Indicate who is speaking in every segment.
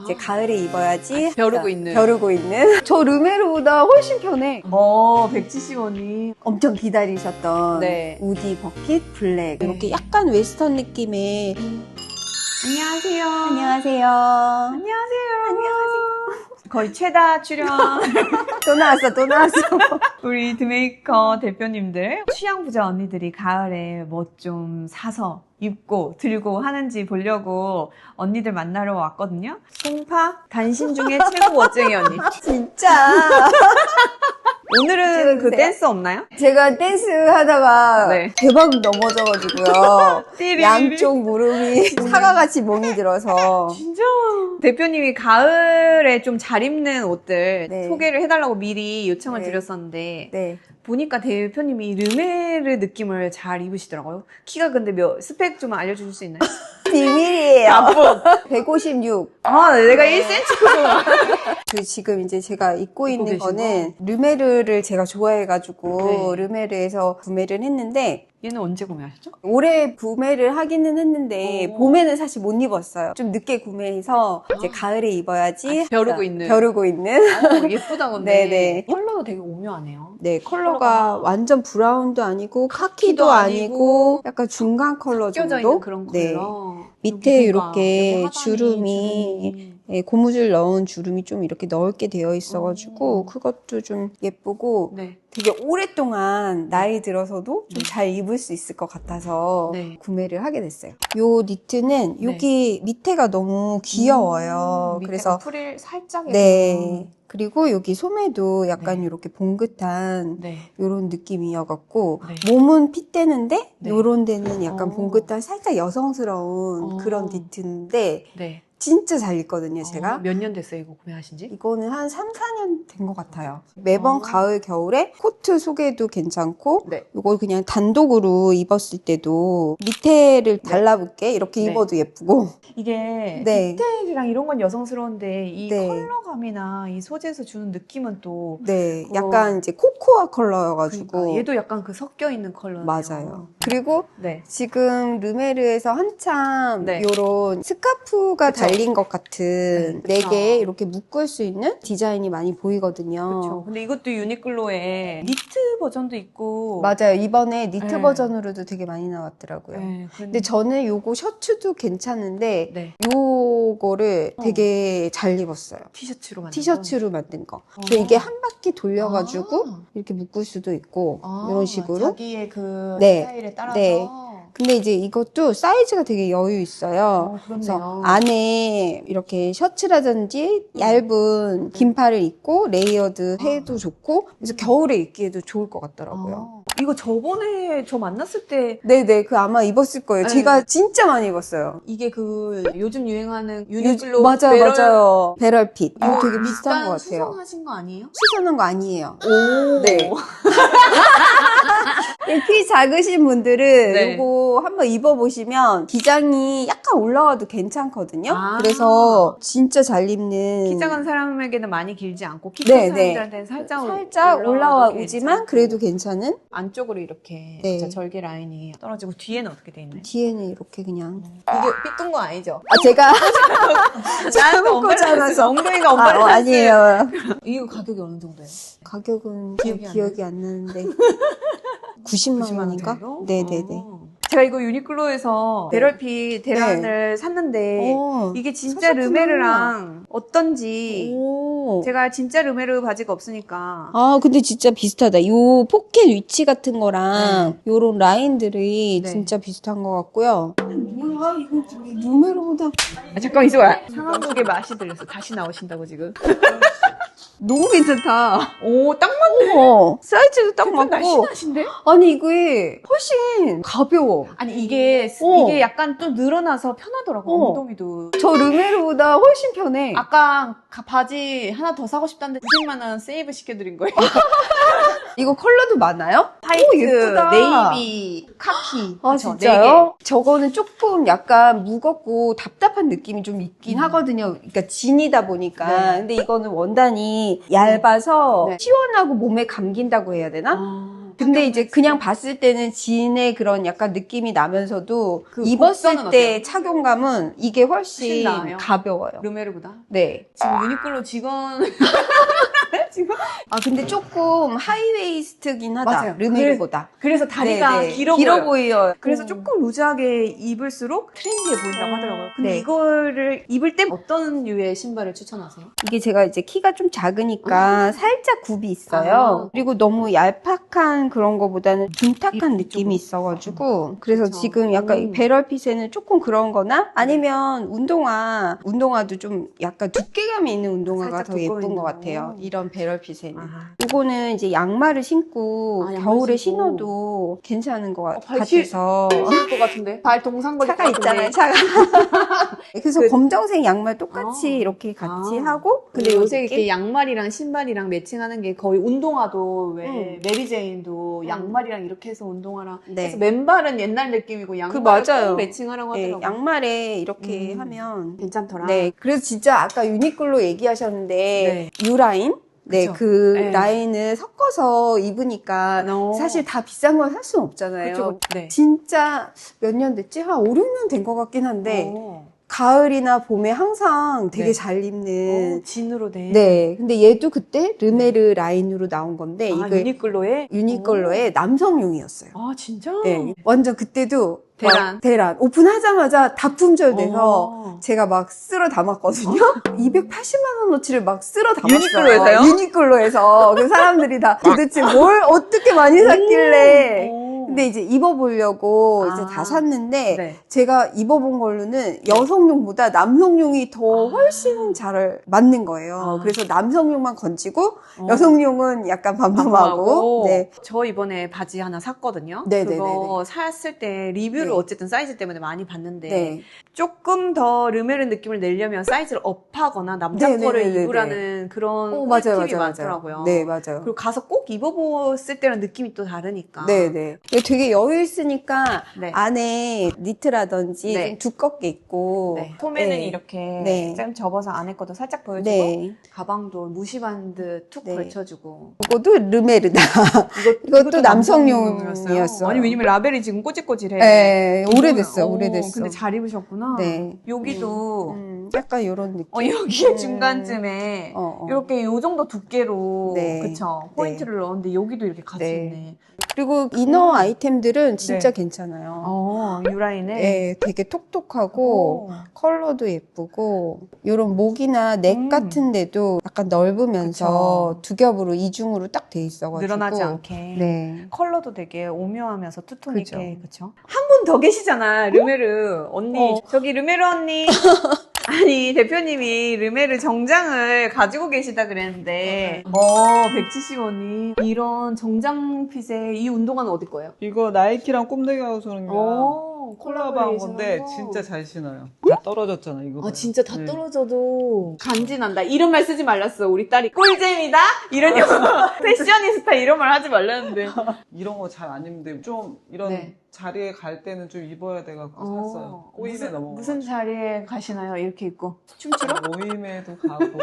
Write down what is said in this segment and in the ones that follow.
Speaker 1: 이제 가을에 입어야지.
Speaker 2: 벼르고 있는.
Speaker 1: 벼르고 있는. 저 르메르보다 훨씬 편해.
Speaker 2: 170원이.
Speaker 1: 엄청 기다리셨던
Speaker 2: 네.
Speaker 1: 우디 버킷 블랙.
Speaker 2: 네.
Speaker 1: 이렇게 약간 웨스턴 느낌의.
Speaker 2: 안녕하세요.
Speaker 1: 안녕하세요.
Speaker 2: 안녕하세요. 거의 최다 출연.
Speaker 1: 또 나왔어.
Speaker 2: 우리 드메이커 대표님들, 취향 부자 언니들이 가을에 뭐 좀 사서 입고 들고 하는지 보려고 언니들 만나러 왔거든요. 송파 단신 중에 최고 멋쟁이 언니.
Speaker 1: 진짜.
Speaker 2: 오늘은 그
Speaker 1: 찍어주세요.
Speaker 2: 댄스 없나요?
Speaker 1: 제가 댄스 하다가
Speaker 2: 네.
Speaker 1: 대박 넘어져가지고요.
Speaker 2: 띠리리리.
Speaker 1: 양쪽 무릎이 사과같이 멍이 들어서.
Speaker 2: 진짜. 대표님이 가을에 좀 잘 입는 옷들
Speaker 1: 네.
Speaker 2: 소개를 해달라고 미리 요청을
Speaker 1: 네.
Speaker 2: 드렸었는데
Speaker 1: 네.
Speaker 2: 보니까 대표님이 르메르 느낌을 잘 입으시더라고요. 키가 근데 스펙 좀 알려주실 수 있나요?
Speaker 1: 비밀이에요.
Speaker 2: 나쁜.
Speaker 1: 156.
Speaker 2: 아, 내가 1cm 크구나.
Speaker 1: 그 지금 이제 제가 입고 있는
Speaker 2: 계신
Speaker 1: 거는 르메르를 제가 좋아해가지고
Speaker 2: 네.
Speaker 1: 르메르에서 구매를 했는데
Speaker 2: 얘는 언제 구매하셨죠?
Speaker 1: 올해 구매를 하기는 했는데
Speaker 2: 오.
Speaker 1: 봄에는 사실 못 입었어요. 좀 늦게 구매해서 이제 가을에 입어야지.
Speaker 2: 벼르고 있는.
Speaker 1: 벼르고 있는.
Speaker 2: 예쁘다 근데.
Speaker 1: 네네.
Speaker 2: 컬러도 되게 오묘하네요.
Speaker 1: 네, 컬러가 완전 브라운도 아니고 카키도 아니고 약간 중간 컬러
Speaker 2: 껴져
Speaker 1: 정도.
Speaker 2: 있는 그런
Speaker 1: 네.
Speaker 2: 컬러.
Speaker 1: 밑에
Speaker 2: 여기가
Speaker 1: 이렇게
Speaker 2: 하단이
Speaker 1: 주름이 네, 고무줄 넣은 주름이 좀 이렇게 넓게 되어 있어가지고 그것도 좀 예쁘고
Speaker 2: 네.
Speaker 1: 되게 오랫동안 나이 들어서도 좀 잘 입을 수 있을 것 같아서
Speaker 2: 네.
Speaker 1: 구매를 하게 됐어요. 요 니트는
Speaker 2: 네.
Speaker 1: 여기 밑에가 너무 귀여워요.
Speaker 2: 밑에가
Speaker 1: 그래서
Speaker 2: 프릴 살짝.
Speaker 1: 네. 그리고 여기 소매도 약간
Speaker 2: 네.
Speaker 1: 이렇게 봉긋한
Speaker 2: 네.
Speaker 1: 요런 느낌이어갖고
Speaker 2: 네.
Speaker 1: 몸은 핏대는데
Speaker 2: 네.
Speaker 1: 요런 데는 약간
Speaker 2: 어.
Speaker 1: 봉긋한 살짝 여성스러운 그런 니트인데
Speaker 2: 네.
Speaker 1: 진짜 잘 입거든요, 제가.
Speaker 2: 몇 년 됐어요, 이거 구매하신 지?
Speaker 1: 이거는 한 3, 4년 된 것 같아요. 매번
Speaker 2: 어.
Speaker 1: 가을, 겨울에 코트 속에도 괜찮고
Speaker 2: 네.
Speaker 1: 이거 그냥 단독으로 입었을 때도 밑에를 달라붙게 이렇게
Speaker 2: 네.
Speaker 1: 입어도 예쁘고
Speaker 2: 이게
Speaker 1: 네.
Speaker 2: 디테일이랑 이런 건 여성스러운데 이
Speaker 1: 네.
Speaker 2: 컬러감이나 이 소재에서 주는 느낌은 또
Speaker 1: 네, 약간 이제 코코아 컬러여가지고
Speaker 2: 그러니까 얘도 약간 그 섞여 있는 컬러네요.
Speaker 1: 맞아요. 그리고
Speaker 2: 네.
Speaker 1: 지금 르메르에서 한참
Speaker 2: 네.
Speaker 1: 요런 스카프가
Speaker 2: 그쵸.
Speaker 1: 달린 것 같은
Speaker 2: 네.
Speaker 1: 네 개 이렇게 묶을 수 있는 디자인이 많이 보이거든요.
Speaker 2: 그렇죠. 근데 이것도 유니클로에 니트 버전도 있고.
Speaker 1: 맞아요. 이번에 니트
Speaker 2: 네.
Speaker 1: 버전으로도 되게 많이 나왔더라고요.
Speaker 2: 네.
Speaker 1: 근데 저는 요거 셔츠도 괜찮은데
Speaker 2: 네.
Speaker 1: 요거를 되게 잘 입었어요.
Speaker 2: 티셔츠로 만든
Speaker 1: 티셔츠로 만든 거. 그래서 이게 한 바퀴 돌려가지고
Speaker 2: 아.
Speaker 1: 이렇게 묶을 수도 있고
Speaker 2: 아,
Speaker 1: 이런 식으로.
Speaker 2: 자기의 그
Speaker 1: 네.
Speaker 2: 스타일에 따라서.
Speaker 1: 네. 근데 이제 이것도 사이즈가 되게 여유 있어요. 그래서
Speaker 2: 그렇네요.
Speaker 1: 안에 이렇게 셔츠라든지 얇은 긴팔을 입고 레이어드 해도 좋고 그래서 겨울에 입기에도 좋을 것 같더라고요.
Speaker 2: 이거 저번에 저 만났을 때
Speaker 1: 네네, 그 아마 입었을 거예요.
Speaker 2: 네.
Speaker 1: 제가 진짜 많이 입었어요.
Speaker 2: 이게 그 요즘 유행하는 유니클로
Speaker 1: 맞아요. 배럴핏. 이거 되게 비슷한
Speaker 2: 밑단
Speaker 1: 것 같아요.
Speaker 2: 수성하신 거 아니에요?
Speaker 1: 수선한 거 아니에요.
Speaker 2: 오.
Speaker 1: 네. 키 작으신 분들은
Speaker 2: 네.
Speaker 1: 이거 한번 입어보시면 기장이 약간 올라와도 괜찮거든요.
Speaker 2: 아.
Speaker 1: 그래서 진짜 잘 입는.
Speaker 2: 키 작은 사람에게는 많이 길지 않고 키
Speaker 1: 네,
Speaker 2: 큰
Speaker 1: 네.
Speaker 2: 사람들한테는 살짝
Speaker 1: 살짝 올라오지만 그래도 괜찮은.
Speaker 2: 안쪽으로 이렇게
Speaker 1: 네.
Speaker 2: 진짜 절개 라인이 떨어지고 뒤에는 어떻게 돼 있나요?
Speaker 1: 뒤에는 이렇게 그냥.
Speaker 2: 이게 삐끈 거 아니죠?
Speaker 1: 아, 제가
Speaker 2: 나한테
Speaker 1: 꽂지 않아서.
Speaker 2: 엉덩이가 엄마를
Speaker 1: 아니에요.
Speaker 2: 이거 가격이 어느 정도예요?
Speaker 1: 가격은
Speaker 2: 기억이 안
Speaker 1: 기억이 안 나는데. 90만 원인가? 네네네.
Speaker 2: 제가 이거 유니클로에서 배럴핏 대란을 샀는데 이게 진짜
Speaker 1: 사셨구나.
Speaker 2: 르메르랑 어떤지
Speaker 1: 오.
Speaker 2: 제가 진짜 르메르 바지가 없으니까
Speaker 1: 아, 근데 진짜 비슷하다. 요 포켓 위치 같은 거랑 요런 라인들이
Speaker 2: 네.
Speaker 1: 진짜 비슷한 것 같고요. 뭐야, 이거 르메르보다
Speaker 2: 잠깐 있어봐. 상한국의 맛이 들렸어. 다시 나오신다고 지금.
Speaker 1: 너무 괜찮다.
Speaker 2: 오, 딱 맞네.
Speaker 1: 어머, 사이즈도 딱 맞고.
Speaker 2: 날씬하신데?
Speaker 1: 아니, 이게 훨씬 가벼워.
Speaker 2: 아니 이게
Speaker 1: 어.
Speaker 2: 이게 약간 좀 늘어나서 편하더라고.
Speaker 1: 어.
Speaker 2: 엉덩이도.
Speaker 1: 저 르메르보다 훨씬 편해.
Speaker 2: 아까 바지 하나 더 사고 싶다는데 90만 원 세이브 시켜드린 거예요.
Speaker 1: 이거 컬러도 많아요?
Speaker 2: 화이트,
Speaker 1: 오, 예쁘다.
Speaker 2: 네이비, 카키.
Speaker 1: 아,
Speaker 2: 그쵸?
Speaker 1: 진짜요? 저거는 조금 약간 무겁고 답답한 느낌이 좀 있긴 하거든요. 그러니까 진이다 보니까.
Speaker 2: 네.
Speaker 1: 근데 이거는 원단이 얇아서
Speaker 2: 네.
Speaker 1: 시원하고 몸에 감긴다고 해야 되나?
Speaker 2: 아.
Speaker 1: 근데 이제 그냥 봤을 때는 진의 그런 약간 느낌이 나면서도
Speaker 2: 그
Speaker 1: 입었을
Speaker 2: 곡선은
Speaker 1: 때
Speaker 2: 어때요?
Speaker 1: 착용감은 이게
Speaker 2: 훨씬
Speaker 1: 훨씬
Speaker 2: 나아요?
Speaker 1: 가벼워요.
Speaker 2: 르메르보다?
Speaker 1: 네.
Speaker 2: 지금 유니클로 직원 지금
Speaker 1: 아, 근데 조금 하이웨이스트긴 하다.
Speaker 2: 맞아요.
Speaker 1: 르메르보다.
Speaker 2: 그래서 다리가
Speaker 1: 네, 네.
Speaker 2: 길어 보여요. 그래서
Speaker 1: 음.
Speaker 2: 조금 루즈하게 입을수록 트렌디해 보인다고 하더라고요. 근데
Speaker 1: 네.
Speaker 2: 이거를 입을 때 어떤 류의 신발을 추천하세요?
Speaker 1: 이게 제가 이제 키가 좀 작으니까 살짝 굽이 있어요.
Speaker 2: 아.
Speaker 1: 그리고 너무 얄팍한 그런 거보다는 둔탁한
Speaker 2: 이쪽으로.
Speaker 1: 느낌이 있어가지고. 그래서
Speaker 2: 그쵸.
Speaker 1: 지금 약간 이 배럴핏에는 조금 그런 거나 아니면 운동화도 좀 약간 두께감이 있는 운동화가
Speaker 2: 살짝
Speaker 1: 더 예쁜
Speaker 2: 두꺼운
Speaker 1: 것
Speaker 2: 거.
Speaker 1: 같아요. 이런 배럴핏에는.
Speaker 2: 아.
Speaker 1: 이거는 이제 양말을 신고
Speaker 2: 아, 양말
Speaker 1: 겨울에
Speaker 2: 신고.
Speaker 1: 신어도 괜찮은 것
Speaker 2: 발
Speaker 1: 같아서.
Speaker 2: 것 같은데? 발 동상거릴
Speaker 1: 차가
Speaker 2: 것 같은데?
Speaker 1: 있잖아요, 차가. 그래서
Speaker 2: 그-
Speaker 1: 검정색 양말 똑같이
Speaker 2: 아.
Speaker 1: 이렇게 같이
Speaker 2: 아.
Speaker 1: 하고.
Speaker 2: 근데
Speaker 1: 그리고
Speaker 2: 요새
Speaker 1: 느낌?
Speaker 2: 이렇게 양말이랑 신발이랑 매칭하는 게 거의 운동화도 왜 메리제인도
Speaker 1: 음.
Speaker 2: 양말이랑 이렇게 해서 운동화랑
Speaker 1: 네.
Speaker 2: 그래서 맨발은 옛날 느낌이고 양말은
Speaker 1: 맞아요.
Speaker 2: 꼭 매칭하라고
Speaker 1: 네,
Speaker 2: 하더라고요.
Speaker 1: 양말에 이렇게 하면.
Speaker 2: 괜찮더라.
Speaker 1: 네. 그래서 진짜 아까 유니클로 얘기하셨는데, 유라인? 네,
Speaker 2: 그쵸.
Speaker 1: 그
Speaker 2: 네.
Speaker 1: 라인을 섞어서 입으니까 사실 다 비싼 건 살 수는 없잖아요.
Speaker 2: 그쵸. 네.
Speaker 1: 진짜 몇 년 됐지? 한 5, 6년 된 것 같긴 한데,
Speaker 2: 어.
Speaker 1: 가을이나 봄에 항상 되게
Speaker 2: 네.
Speaker 1: 잘 입는.
Speaker 2: 진으로 된.
Speaker 1: 네. 근데 얘도 그때 르메르 라인으로 나온 건데,
Speaker 2: 아,
Speaker 1: 이거
Speaker 2: 유니클로에?
Speaker 1: 유니클로의 남성용이었어요.
Speaker 2: 아, 진짜?
Speaker 1: 네. 완전 그때도
Speaker 2: 대란.
Speaker 1: 막 대란 오픈하자마자 다 품절돼서
Speaker 2: 어.
Speaker 1: 제가 막 쓸어 담았거든요. 280만 원어치를 막 쓸어 담았어요.
Speaker 2: 유니클로에서요?
Speaker 1: 유니클로에서. 그 사람들이 다 도대체 뭘 어떻게 많이 샀길래.
Speaker 2: 오.
Speaker 1: 근데 이제 입어보려고 이제
Speaker 2: 아.
Speaker 1: 다 샀는데
Speaker 2: 네.
Speaker 1: 제가 입어본 걸로는 여성용보다 남성용이 더 훨씬 잘 맞는 거예요.
Speaker 2: 아.
Speaker 1: 그래서 남성용만 건지고
Speaker 2: 어.
Speaker 1: 여성용은 약간 반품하고. 네.
Speaker 2: 저 이번에 바지 하나 샀거든요.
Speaker 1: 네네네네.
Speaker 2: 그거 샀을 때 리뷰를
Speaker 1: 네.
Speaker 2: 어쨌든 사이즈 때문에 많이 봤는데
Speaker 1: 네.
Speaker 2: 조금 더 르메르 느낌을 내려면 사이즈를 업하거나 남자 거를
Speaker 1: 네네네네네.
Speaker 2: 입으라는 그런
Speaker 1: 맞아요,
Speaker 2: 팁이
Speaker 1: 맞아요,
Speaker 2: 많더라고요.
Speaker 1: 맞아요. 네, 맞아요.
Speaker 2: 그리고 가서 꼭 입어봤을 때랑 느낌이 또 다르니까.
Speaker 1: 네네. 되게 여유 있으니까
Speaker 2: 네.
Speaker 1: 안에 니트라든지
Speaker 2: 네.
Speaker 1: 좀 두껍게 입고.
Speaker 2: 네. 소매는
Speaker 1: 네.
Speaker 2: 이렇게
Speaker 1: 네.
Speaker 2: 좀 접어서 안에 것도 살짝 보여주고
Speaker 1: 네.
Speaker 2: 가방도 무시반드 툭
Speaker 1: 네.
Speaker 2: 걸쳐주고
Speaker 1: 이것도 르메르다. 이것도 남성용이었어요.
Speaker 2: 아니 왜냐면 라벨이 지금 꼬질꼬질해.
Speaker 1: 네, 오래됐어,
Speaker 2: 오,
Speaker 1: 오래됐어.
Speaker 2: 근데 잘 입으셨구나.
Speaker 1: 네.
Speaker 2: 여기도
Speaker 1: 약간 이런 느낌.
Speaker 2: 여기 중간쯤에 이렇게 요 정도 두께로
Speaker 1: 네.
Speaker 2: 그쵸 포인트를 넣었는데 여기도 이렇게 같이
Speaker 1: 네.
Speaker 2: 있네.
Speaker 1: 그리고 이너 아이템들은 진짜
Speaker 2: 네.
Speaker 1: 괜찮아요.
Speaker 2: 유라인에.
Speaker 1: 네, 되게 톡톡하고 컬러도 예쁘고 이런 목이나 넥 같은 데도 약간 넓으면서
Speaker 2: 그쵸.
Speaker 1: 두 겹으로 이중으로 딱 돼 있어가지고
Speaker 2: 늘어나지 않게.
Speaker 1: 네.
Speaker 2: 컬러도 되게 오묘하면서 투톤
Speaker 1: 그죠.
Speaker 2: 있게 그쵸? 한 분 더 계시잖아 르메르 언니. 저기 르메르 언니. 아니 대표님이 르메르 정장을 가지고 계시다 그랬는데 170원이 이런 정장 핏의 이 운동화는 어디 거예요?
Speaker 3: 이거 나이키랑 꼼데기하고 소는 거 콜라보한 건데
Speaker 2: 콜라보레이션한 거.
Speaker 3: 진짜 잘 신어요. 다 떨어졌잖아 이거.
Speaker 2: 진짜 다
Speaker 3: 네.
Speaker 2: 떨어져도 간지난다. 이런 말 쓰지 말랐어. 우리 딸이 꿀잼이다? 이런 영어. 패셔니스타 이런 말 하지 말라는데.
Speaker 3: 이런 거 잘 안 입는데 좀 이런
Speaker 2: 네.
Speaker 3: 자리에 갈 때는 좀 입어야 돼갖고 샀어요. 꼬임에 넘어.
Speaker 2: 무슨 자리에 가시나요? 이렇게 입고. 춤추러?
Speaker 3: 모임에도 가고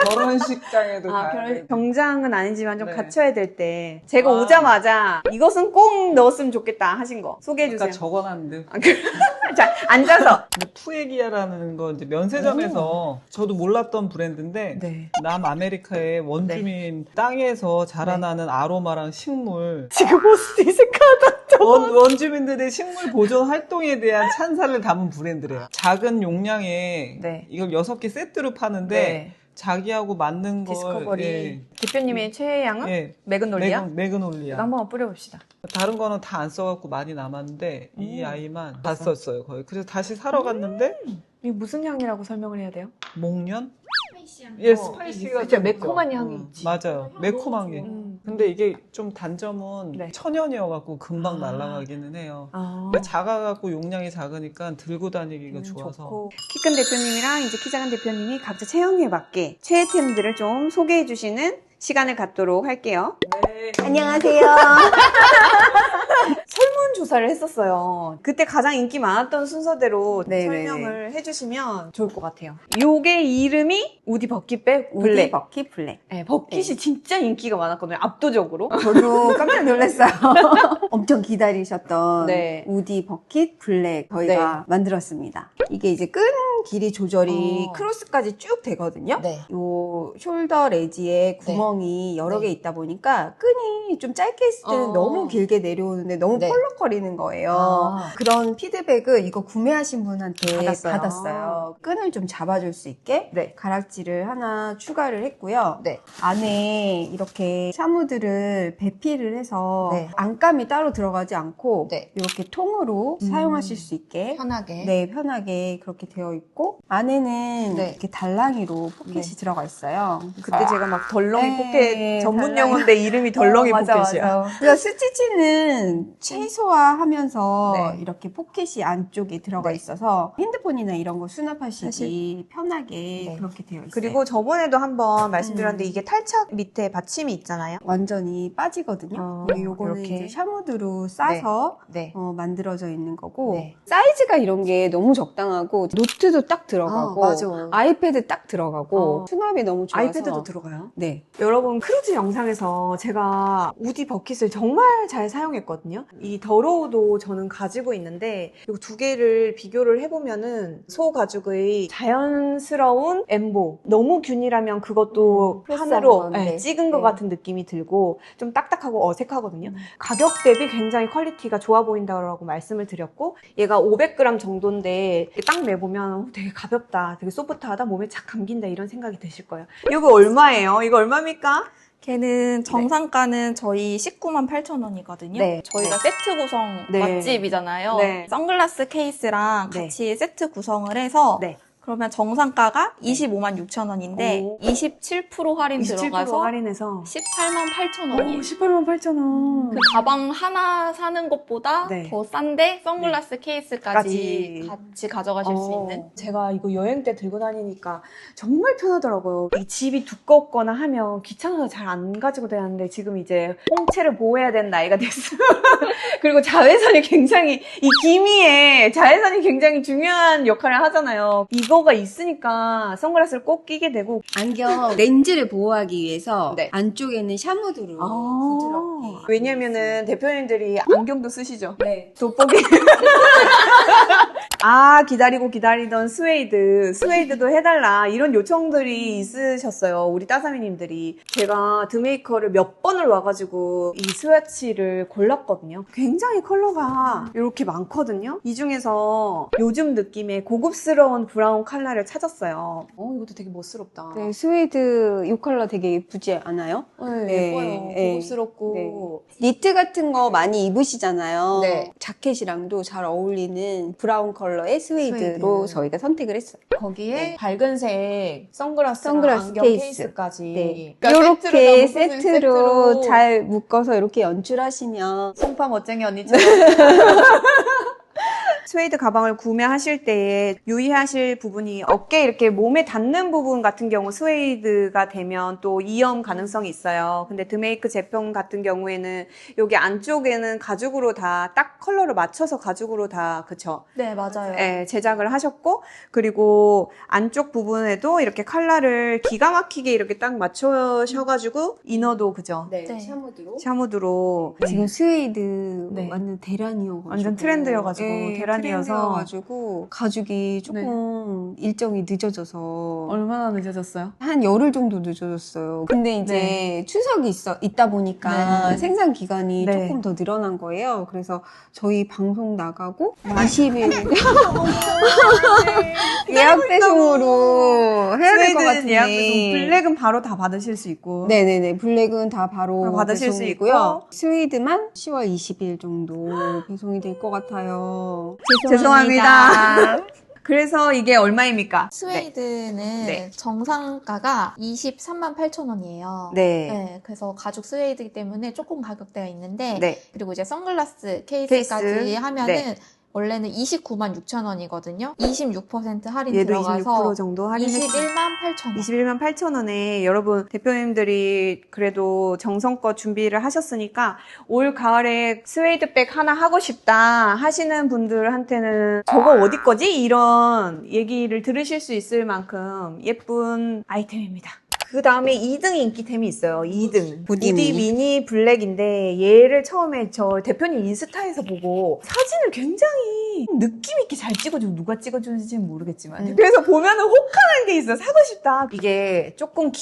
Speaker 3: 결혼식장에도 가고.
Speaker 2: 정장은 아니지만 좀
Speaker 3: 네.
Speaker 2: 갖춰야 될 때 제가
Speaker 3: 아.
Speaker 2: 오자마자 이것은 꼭 넣었으면 좋겠다 하신 거 소개해주세요.
Speaker 3: 아까 적어놨는데
Speaker 2: 자, 앉아서.
Speaker 3: 투에기아라는 거 이제 면세점에서 저도 몰랐던 브랜드인데
Speaker 2: 네.
Speaker 3: 남아메리카의 원주민 땅에서 자라나는 아로마랑 식물
Speaker 2: 지금 호스티스카다.
Speaker 3: 원주민들의 식물 보존 활동에 대한 찬사를 담은 브랜드래요. 작은 용량에
Speaker 2: 네.
Speaker 3: 이걸 6개 세트로 파는데 자기하고 맞는 걸
Speaker 2: 디스커버리. 대표님의 최애양은?
Speaker 3: 예.
Speaker 2: 매그놀리아?
Speaker 3: 매그놀리아.
Speaker 2: 한번 뿌려봅시다.
Speaker 3: 다른 거는 다 안 써갖고 많이 남았는데 이 아이만 다 썼어요 거의. 그래서 다시 사러 갔는데
Speaker 2: 이게 무슨 향이라고 설명을 해야 돼요?
Speaker 3: 목련? 예, 스파이시가
Speaker 2: 진짜
Speaker 3: 좀
Speaker 2: 매콤한
Speaker 3: 있죠.
Speaker 2: 향이 있지.
Speaker 3: 맞아요. 매콤한 게. 근데 이게 좀 단점은
Speaker 2: 네.
Speaker 3: 천연이어갖고 금방 날아가기는 해요. 근데 작아갖고 용량이 작으니까 들고 다니기가 좋아서.
Speaker 2: 키 큰 대표님이랑 이제 키 작은 대표님이 각자 체형에 맞게 최애템들을 좀 소개해 주시는 시간을 갖도록 할게요.
Speaker 1: 안녕하세요.
Speaker 2: 설문조사를 했었어요. 그때 가장 인기 많았던 순서대로
Speaker 1: 네네네.
Speaker 2: 설명을 해주시면 좋을 것 같아요. 요게 이름이 우디 버킷백 블랙.
Speaker 1: 우디 버킷 블랙.
Speaker 2: 네, 버킷이 진짜 인기가 많았거든요. 압도적으로.
Speaker 1: 저도 깜짝 놀랐어요. 엄청 기다리셨던
Speaker 2: 네.
Speaker 1: 우디 버킷 블랙 저희가 만들었습니다. 이게 이제 끈 길이 조절이 크로스까지 쭉 되거든요.
Speaker 2: 네.
Speaker 1: 요 숄더 레지에 구멍이 여러 개 있다 보니까 끈이 좀 짧게 있을 때는 너무 길게 내려오는데 너무 펄럭거리는 거예요. 그런 피드백을 이거 구매하신 분한테 받았어요. 끈을 좀 잡아줄 수 있게 가락지를 하나 추가를 했고요. 안에 이렇게 샤무드를 배피를 해서 안감이 따로 들어가지 않고 이렇게 통으로 사용하실 수 있게 편하게 그렇게 되어 있고 안에는 이렇게 달랑이로 포켓이 들어가 있어요.
Speaker 2: 그때 제가 막 덜렁이 포켓 전문 용어인데 이름이 덜렁이 포켓이야.
Speaker 1: 맞아. 그래서 스티치는 최소화하면서 이렇게 포켓이 안쪽에 들어가 있어서 핸드폰이나 이런 거 수납하시기 편하게 그렇게 되어 있어요.
Speaker 2: 그리고 저번에도 한번 말씀드렸는데 이게 탈착 밑에 받침이 있잖아요.
Speaker 1: 완전히 빠지거든요. 요거는
Speaker 2: 이렇게.
Speaker 1: 이제 샤무드로 싸서 만들어져 있는 거고 사이즈가 이런 게 너무 적당하고 노트도 딱 들어가고
Speaker 2: 맞아.
Speaker 1: 아이패드 딱 들어가고 수납이 너무 좋아서
Speaker 2: 아이패드도 들어가요?
Speaker 1: 네.
Speaker 2: 여러분 크루즈 영상에서 제가 우디 버킷을 정말 잘 사용했거든요. 이 더로우도 저는 가지고 있는데 이 두 개를 비교를 해보면은 소 가죽의 자연스러운 엠보 너무 균일하면 그것도 판으로
Speaker 1: 건데.
Speaker 2: 찍은 것 같은 느낌이 들고 좀 딱딱하고 어색하거든요. 가격 대비 굉장히 퀄리티가 좋아 보인다고 말씀을 드렸고 얘가 500g 정도인데 딱 매보면 되게 가볍다, 되게 소프트하다, 몸에 착 감긴다 이런 생각이 드실 거예요. 이거 얼마예요? 이거 얼마입니까?
Speaker 4: 걔는 정상가는 저희 198,000원이거든요.
Speaker 2: 네.
Speaker 4: 저희가 세트 구성 맛집이잖아요.
Speaker 2: 네.
Speaker 4: 선글라스 케이스랑 같이 세트 구성을 해서 그러면 정상가가 256,000원인데 27% 할인
Speaker 2: 27%
Speaker 4: 들어가서
Speaker 2: 할인해서
Speaker 4: 188,000원이에요.
Speaker 2: 188,000원.
Speaker 4: 그 가방 하나 사는 것보다 더 싼데 선글라스 케이스까지 같이 가져가실 수 있는.
Speaker 2: 제가 이거 여행 때 들고 다니니까 정말 편하더라고요. 이 집이 두껍거나 하면 귀찮아서 잘 안 가지고 다녔는데 지금 이제 홍채를 보호해야 되는 나이가 됐어요. 그리고 자외선이 굉장히 이 기미에 자외선이 굉장히 중요한 역할을 하잖아요. 이거가 있으니까 선글라스를 꼭 끼게 되고
Speaker 1: 안경 렌즈를 보호하기 위해서 안쪽에는 샤무드로 부드럽게
Speaker 2: 왜냐면은 대표님들이 안경도 쓰시죠?
Speaker 1: 네.
Speaker 2: 돋보기. 기다리고 기다리던 스웨이드도 해달라 이런 요청들이 있으셨어요. 우리 따사미님들이. 제가 드메이커를 몇 번을 와가지고 이 스와치를 골랐거든요. 굉장히 컬러가 이렇게 많거든요. 이 중에서 요즘 느낌의 고급스러운 브라운 컬러를 찾았어요. 이것도 되게 멋스럽다.
Speaker 1: 네, 스웨이드 이 컬러 되게 예쁘지 않아요?
Speaker 2: 예뻐요. 고급스럽고.
Speaker 1: 니트 같은 거 많이 입으시잖아요.
Speaker 2: 네.
Speaker 1: 자켓이랑도 잘 어울리는 브라운 컬러의 스웨이드로 저희가 선택을 했어요.
Speaker 2: 거기에 밝은색 선글라스 안경
Speaker 1: 케이스.
Speaker 2: 케이스까지.
Speaker 1: 이렇게 세트로 잘 묶어서 이렇게 연출하시면
Speaker 2: 송파 멋쟁이 언니처럼. 스웨이드 가방을 구매하실 때에 유의하실 부분이 어깨 이렇게 몸에 닿는 부분 같은 경우 스웨이드가 되면 또 이염 가능성이 있어요. 근데 드메이크 제품 같은 경우에는 여기 안쪽에는 가죽으로 다 딱 컬러를 맞춰서 가죽으로 다 그쵸?
Speaker 4: 네, 맞아요.
Speaker 2: 네, 제작을 하셨고 그리고 안쪽 부분에도 이렇게 컬러를 기가 막히게 이렇게 딱 맞추셔가지고 이너도 그죠?
Speaker 1: 네,
Speaker 4: 네.
Speaker 2: 샤무드로
Speaker 1: 지금 스웨이드 완전 대란이어가지고
Speaker 2: 완전 트렌드여가지고
Speaker 1: 트렌드여가지고 가죽이 조금 일정이 늦어져서
Speaker 2: 얼마나 늦어졌어요?
Speaker 1: 한 열흘 정도 늦어졌어요. 근데 이제 추석이 있다 보니까 생산 기간이 조금 더 늘어난 거예요. 그래서 저희 방송 나가고 20일 예약 배송으로 해야 될 것 같은데
Speaker 2: 예약 배송 블랙은 바로 다 받으실 수 있고
Speaker 1: 네네네 블랙은 다 바로
Speaker 2: 받으실 수
Speaker 1: 배송이고요. 스웨이드만 10월 20일 정도 배송이 될 것 같아요.
Speaker 2: 죄송합니다. 그래서 이게 얼마입니까?
Speaker 4: 스웨이드는 정상가가 238,000원이에요.
Speaker 2: 네.
Speaker 4: 그래서 가죽 스웨이드이기 때문에 조금 가격대가 있는데
Speaker 2: 네.
Speaker 4: 그리고 이제 선글라스 케이스까지 하면은 원래는 296,000원이거든요. 26% 할인
Speaker 2: 얘도
Speaker 4: 들어가서
Speaker 2: 26% 정도 할인했어요.
Speaker 4: 218,000원.
Speaker 2: 21만 8천 원에 여러분 대표님들이 그래도 정성껏 준비를 하셨으니까 올 가을에 스웨이드백 하나 하고 싶다 하시는 분들한테는 저거 어디 거지? 이런 얘기를 들으실 수 있을 만큼 예쁜 아이템입니다. 그 다음에 2등 인기템이 있어요. 2등.
Speaker 1: 부디
Speaker 2: 미니 블랙인데 얘를 처음에 저 대표님 인스타에서 보고 사진을 굉장히 느낌 있게 잘 찍어주고 누가 찍어주는지는 모르겠지만 그래서 보면은 혹하는 게 있어. 사고 싶다. 이게 조금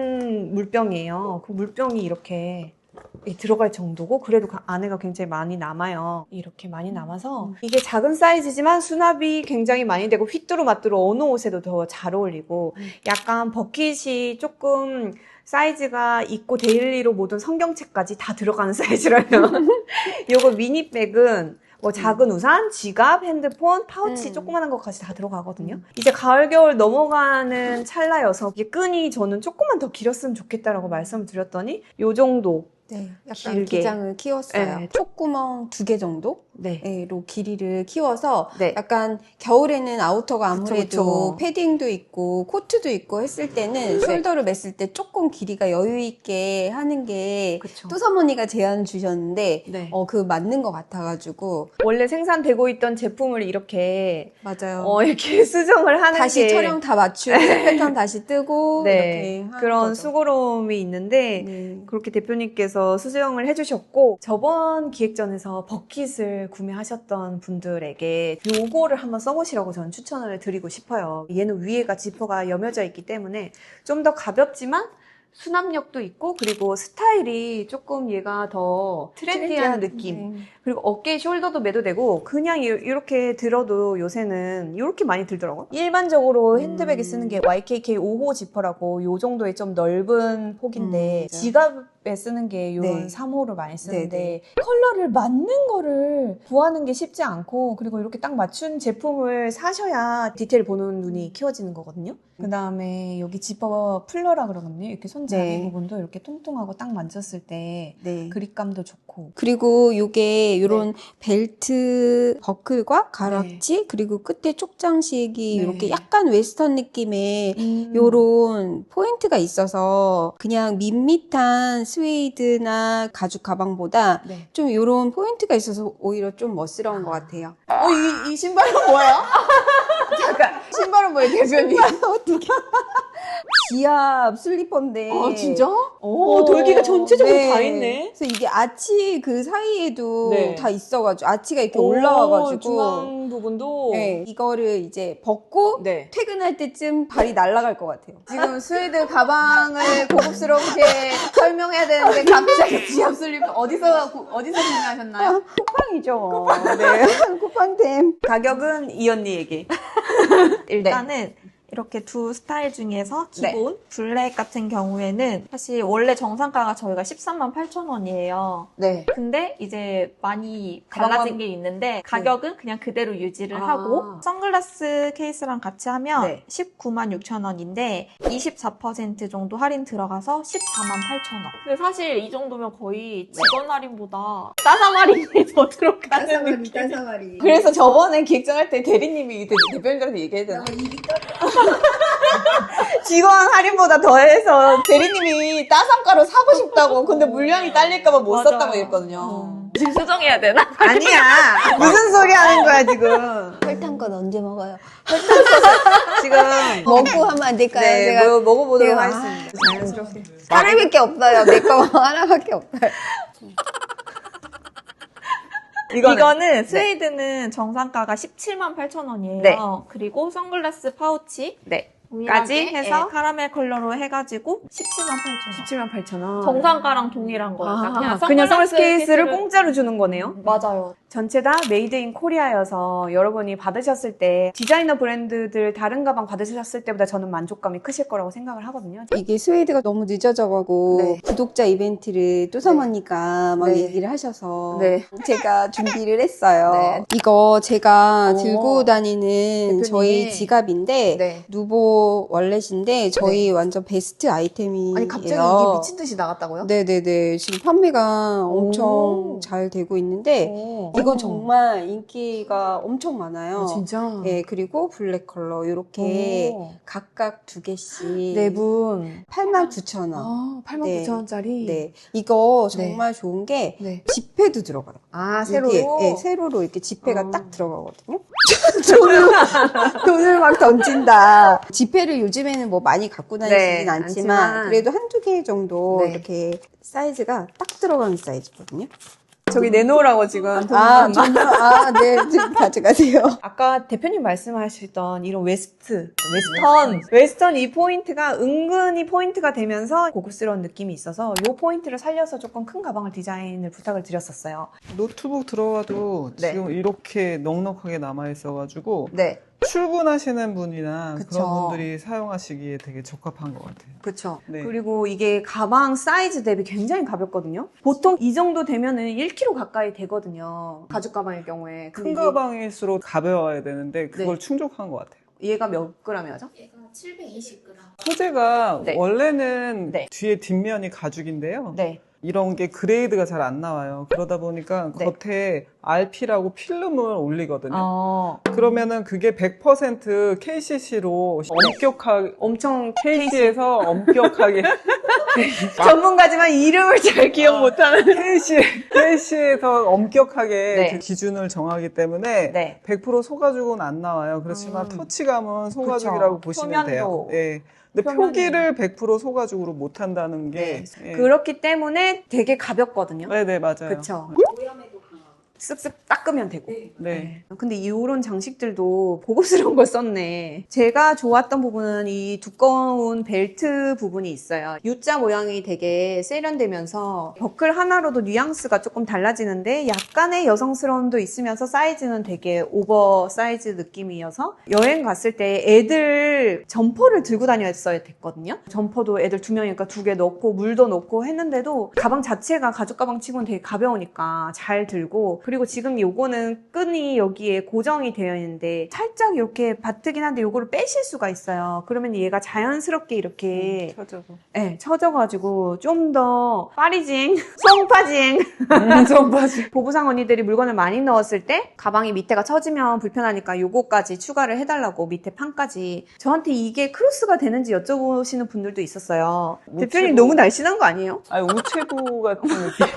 Speaker 2: 긴 물병이에요. 그 물병이 이렇게 들어갈 정도고 그래도 안에가 굉장히 많이 남아요. 이렇게 많이 남아서 이게 작은 사이즈지만 수납이 굉장히 많이 되고 휘뚜루마뚜루 어느 옷에도 더 잘 어울리고 약간 버킷이 조금 사이즈가 있고 데일리로 모든 성경책까지 다 들어가는 사이즈라면 요거 미니백은 뭐 작은 우산, 지갑, 핸드폰, 파우치 조그마한 것까지 다 들어가거든요. 이제 가을, 겨울 넘어가는 찰나여서 이게 끈이 저는 조금만 더 길었으면 좋겠다라고 말씀을 드렸더니 요 정도
Speaker 1: 네, 약간
Speaker 2: 길게.
Speaker 1: 기장을 키웠어요.
Speaker 2: 네.
Speaker 1: 촉구멍 2개 정도?
Speaker 2: 네.
Speaker 1: 로 길이를 키워서
Speaker 2: 네.
Speaker 1: 약간 겨울에는 아우터가
Speaker 2: 그쵸,
Speaker 1: 아무래도
Speaker 2: 그쵸.
Speaker 1: 패딩도 있고 코트도 있고 했을 때는 숄더를 맸을 때 조금 길이가 여유 있게 하는 게
Speaker 2: 그쵸.
Speaker 1: 또사모니가 제안 주셨는데
Speaker 2: 네.
Speaker 1: 그 맞는 것 같아가지고
Speaker 2: 원래 생산되고 있던 제품을 이렇게
Speaker 1: 맞아요.
Speaker 2: 이렇게 수정을 하는
Speaker 1: 다시
Speaker 2: 게
Speaker 1: 촬영 다 맞추고 패턴 다시 뜨고
Speaker 2: 네,
Speaker 1: 이렇게 하는
Speaker 2: 그런
Speaker 1: 거죠.
Speaker 2: 수고로움이 있는데
Speaker 1: 네.
Speaker 2: 그렇게 대표님께서 수정을 해주셨고 저번 기획전에서 버킷을 구매하셨던 분들에게 요거를 한번 써보시라고 저는 추천을 드리고 싶어요. 얘는 위에가 지퍼가 여며져 있기 때문에 좀 더 가볍지만 수납력도 있고 그리고 스타일이 조금 얘가 더 트렌디한 느낌.
Speaker 1: 네.
Speaker 2: 그리고 어깨에 숄더도 매도 되고 그냥 이렇게 들어도 요새는 이렇게 많이 들더라고요. 일반적으로 핸드백에 쓰는 게 YKK 5호 지퍼라고 요 정도의 좀 넓은 폭인데 지갑에 쓰는 게 요런
Speaker 1: 네.
Speaker 2: 3호를 많이 쓰는데
Speaker 1: 네,
Speaker 2: 컬러를 맞는 거를 구하는 게 쉽지 않고 그리고 이렇게 딱 맞춘 제품을 사셔야 디테일 보는 눈이 키워지는 거거든요. 그 다음에 여기 지퍼 풀러라 그러거든요. 이렇게 손잡이
Speaker 1: 네.
Speaker 2: 부분도 이렇게 통통하고 딱 만졌을 때
Speaker 1: 네.
Speaker 2: 그립감도 좋고
Speaker 1: 그리고 요게 요런 벨트 버클과 가락지
Speaker 2: 네.
Speaker 1: 그리고 끝에 쪽장식이
Speaker 2: 네.
Speaker 1: 이렇게 약간 웨스턴 느낌의 요런 포인트가 있어서 그냥 밋밋한 스웨이드나 가죽 가방보다
Speaker 2: 네.
Speaker 1: 좀 요런 포인트가 있어서 오히려 좀 멋스러운 것 같아요.
Speaker 2: 이 신발은 뭐예요? 잠깐 신발은 뭐예요 대표님?
Speaker 1: 어떻게? 지압 슬리퍼인데.
Speaker 2: 오 돌기가 전체적으로
Speaker 1: 네.
Speaker 2: 다 있네.
Speaker 1: 그래서 이게 아치 그 사이에도
Speaker 2: 네.
Speaker 1: 다 있어가지고 아치가 이렇게 올라와가지고
Speaker 2: 중앙 부분도
Speaker 1: 네, 이거를 이제 벗고
Speaker 2: 네.
Speaker 1: 퇴근할 때쯤 발이 날아갈 것 같아요.
Speaker 2: 지금 스웨이드 가방을 고급스럽게 설명해야 되는데 갑자기 지압 슬리퍼 어디서 구매하셨나요?
Speaker 1: 쿠팡이죠. 네, 쿠팡템.
Speaker 2: 가격은 이 언니에게.
Speaker 4: 일단은 이렇게 두 스타일 중에서 기본 블랙 같은 경우에는 사실 원래 정상가가 저희가 13만 8천 원이에요.
Speaker 2: 네.
Speaker 4: 근데 이제 많이 달라진 게 있는데 가격은 그냥 그대로 유지를 하고 선글라스 케이스랑 같이 하면 19만 6천 원인데 24% 정도 할인 들어가서 14만 8천 원. 근데 사실 이 정도면 거의 직원 할인보다 따삼 할인이 더 들어가는 느낌.
Speaker 1: 따사마리.
Speaker 2: 그래서 저번에 기획전할 때 대리님이 대표님들한테 얘기해야 되나? 직원 할인보다 더해서 대리님이 따상가로 사고 싶다고 근데 물량이 딸릴까봐 못
Speaker 4: 맞아요.
Speaker 2: 샀다고 했거든요.
Speaker 4: 지금 수정해야 되나?
Speaker 2: 아니야. 무슨 소리 하는 거야 지금.
Speaker 1: 설탕 건 언제 먹어요?
Speaker 2: 지금
Speaker 1: 먹고 하면 안 될까요?
Speaker 2: 네,
Speaker 1: 제가
Speaker 2: 먹어보도록
Speaker 1: 제가-
Speaker 2: 하겠습니다. 자연스럽게.
Speaker 1: 하나밖에 없어요. 내 거 하나밖에 없어요.
Speaker 4: 이거는 스웨이드는 정상가가 17만 8천 원이에요.
Speaker 2: 네.
Speaker 4: 그리고 선글라스 파우치
Speaker 2: 네.
Speaker 4: 동일하게
Speaker 2: 까지 해서?
Speaker 4: 카라멜 컬러로 해가지고 17만 8천 원.
Speaker 2: 17만 8천 원.
Speaker 4: 정상가랑 동일한 거예요.
Speaker 2: 그냥 선글라스 케이스를 공짜로 주는 거네요.
Speaker 4: 맞아요.
Speaker 2: 전체 다 메이드 인 코리아여서 여러분이 받으셨을 때 디자이너 브랜드들 다른 가방 받으셨을 때보다 저는 만족감이 크실 거라고 생각을 하거든요.
Speaker 1: 이게 스웨이드가 너무 늦어져가고
Speaker 2: 네.
Speaker 1: 구독자 이벤트를 또사모니까 막
Speaker 2: 네.
Speaker 1: 얘기를 하셔서
Speaker 2: 네.
Speaker 1: 제가 준비를 했어요.
Speaker 2: 네.
Speaker 1: 이거 제가
Speaker 2: 오.
Speaker 1: 들고 다니는
Speaker 2: 대표님이.
Speaker 1: 저희 지갑인데
Speaker 2: 네.
Speaker 1: 누보 요거 월렛인데 저희 완전 베스트 아이템이에요.
Speaker 2: 아니 갑자기 이게 미친 듯이 나갔다고요?
Speaker 1: 네네네. 지금 판매가 엄청 잘 되고 있는데 이건 정말 인기가 엄청 많아요.
Speaker 2: 아, 진짜?
Speaker 1: 네, 그리고 블랙 컬러 이렇게 각각 2개씩
Speaker 2: 네 분.
Speaker 1: 89,000원.
Speaker 2: 아, 89,000원짜리?
Speaker 1: 네. 이거 정말 좋은 게
Speaker 2: 네.
Speaker 1: 지폐도 들어가요.
Speaker 2: 아, 세로로?
Speaker 1: 네, 세로로 이렇게 지폐가 딱 들어가거든요. 돈을 막 던진다. 지폐를 요즘에는 뭐 많이 갖고 다니지는
Speaker 2: 네,
Speaker 1: 않지만 그래도 한두 개 정도
Speaker 2: 네.
Speaker 1: 이렇게 사이즈가 딱 들어가는 사이즈거든요.
Speaker 2: 저기 내놓으라고 지금.
Speaker 1: 정말, 네, 지금 가져가세요.
Speaker 2: 아까 대표님 말씀하셨던 이런 웨스턴 이 포인트가 은근히 포인트가 되면서 고급스러운 느낌이 있어서 이 포인트를 살려서 조금 큰 가방을 디자인을 부탁을 드렸었어요.
Speaker 3: 노트북 들어가도
Speaker 2: 네.
Speaker 3: 지금 이렇게 넉넉하게 남아있어가지고
Speaker 2: 네.
Speaker 3: 출근하시는 분이나
Speaker 2: 그쵸.
Speaker 3: 그런 분들이 사용하시기에 되게 적합한 것 같아요.
Speaker 2: 그렇죠.
Speaker 3: 네.
Speaker 2: 그리고 이게 가방 사이즈 대비 굉장히 가볍거든요. 보통 이 정도 되면은 1kg 가까이 되거든요. 가죽 가방일 경우에.
Speaker 3: 큰
Speaker 2: 근데 이게
Speaker 3: 가방일수록 가벼워야 되는데 그걸
Speaker 2: 네.
Speaker 3: 충족한 것 같아요.
Speaker 2: 얘가 몇 g이죠?
Speaker 5: 얘가 720g.
Speaker 3: 소재가
Speaker 2: 네.
Speaker 3: 원래는
Speaker 2: 네.
Speaker 3: 뒤에 뒷면이 가죽인데요.
Speaker 2: 네.
Speaker 3: 이런 게 그레이드가 잘 안 나와요. 그러다 보니까
Speaker 2: 네.
Speaker 3: 겉에 RP라고 필름을 올리거든요.
Speaker 2: 어,
Speaker 3: 그러면은 그게 100% KCC로 엄격하게
Speaker 2: 엄청
Speaker 3: KC에서 엄격하게
Speaker 2: 전문가지만 이름을 잘 기억 못하는.
Speaker 3: KC에서 엄격하게
Speaker 2: 네.
Speaker 3: 그 기준을 정하기 때문에
Speaker 2: 네.
Speaker 3: 100% 소가죽은 안 나와요. 그렇지만 터치감은 소가죽이라고
Speaker 2: 그쵸.
Speaker 3: 보시면 돼요.
Speaker 2: 표면도.
Speaker 3: 네. 근데
Speaker 2: 표면이.
Speaker 3: 표기를 100% 소가죽으로 못 한다는 게 예.
Speaker 2: 그렇기 때문에 되게 가볍거든요.
Speaker 3: 네, 맞아요.
Speaker 2: 그쵸.
Speaker 5: 오염에도 강하고.
Speaker 2: 쓱쓱 닦으면 되고.
Speaker 3: 네.
Speaker 2: 근데 이런 장식들도 고급스러운 걸 썼네. 제가 좋았던 부분은 이 두꺼운 벨트 부분이 있어요. U자 모양이 되게 세련되면서 버클 하나로도 뉘앙스가 조금 달라지는데 약간의 여성스러움도 있으면서 사이즈는 되게 오버 사이즈 느낌이어서 여행 갔을 때 애들 점퍼를 들고 다녔어야 됐거든요. 점퍼도 애들 2명이니까 2개 넣고 물도 넣고 했는데도 가방 자체가 가죽 가방 치고는 되게 가벼우니까 잘 들고, 그리고 지금 요거는 끈이 여기에 고정이 되어 있는데 살짝 이렇게 바트긴 한데 요거를 빼실 수가 있어요. 그러면 얘가 자연스럽게 이렇게
Speaker 3: 쳐져서.
Speaker 2: 네, 쳐져가지고 좀 더 파리징, 송파징
Speaker 3: 송파징.
Speaker 2: 보부상 언니들이 물건을 많이 넣었을 때 가방이 밑에가 처지면 불편하니까 요거까지 추가를 해달라고 밑에 판까지. 저한테 이게 크로스가 되는지 여쭤보시는 분들도 있었어요. 대표님 너무 날씬한 거 아니에요?
Speaker 3: 아니, 우체부 같은 느낌.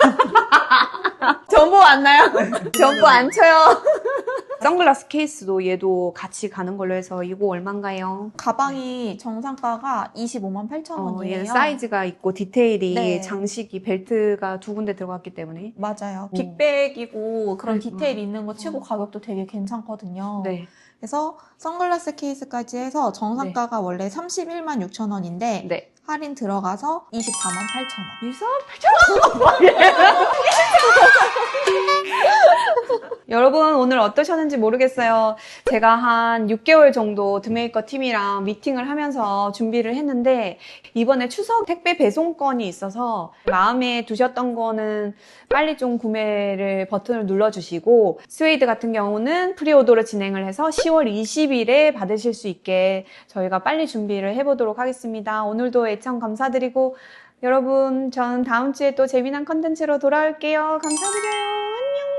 Speaker 2: 전보 왔나요? 전보 안 쳐요. 선글라스 케이스도 얘도 같이 가는 걸로 해서 이거 얼만가요?
Speaker 4: 가방이 정상가가 258,000원이에요.
Speaker 2: 얘는 사이즈가 있고 디테일이
Speaker 4: 네.
Speaker 2: 장식이 벨트가 2군데 들어갔기 때문에.
Speaker 4: 맞아요. 빅백이고 그런 디테일 있는 거 치고 가격도 되게 괜찮거든요.
Speaker 2: 네.
Speaker 4: 그래서 선글라스 케이스까지 해서 정상가가 원래 316,000원인데
Speaker 2: 네.
Speaker 4: 할인 들어가서 248,000원.
Speaker 2: 248,000원? 여러분 오늘 어떠셨는지 모르겠어요. 제가 한 6개월 정도 드메이커 팀이랑 미팅을 하면서 준비를 했는데 이번에 추석 택배 배송건이 있어서 마음에 두셨던 거는 빨리 좀 구매를 버튼을 눌러주시고, 스웨이드 같은 경우는 프리오더로 진행을 해서 10월 20일에 받으실 수 있게 저희가 빨리 준비를 해보도록 하겠습니다. 오늘도 애청 감사드리고 여러분, 전 다음 주에 또 재미난 컨텐츠로 돌아올게요. 감사드려요. 안녕.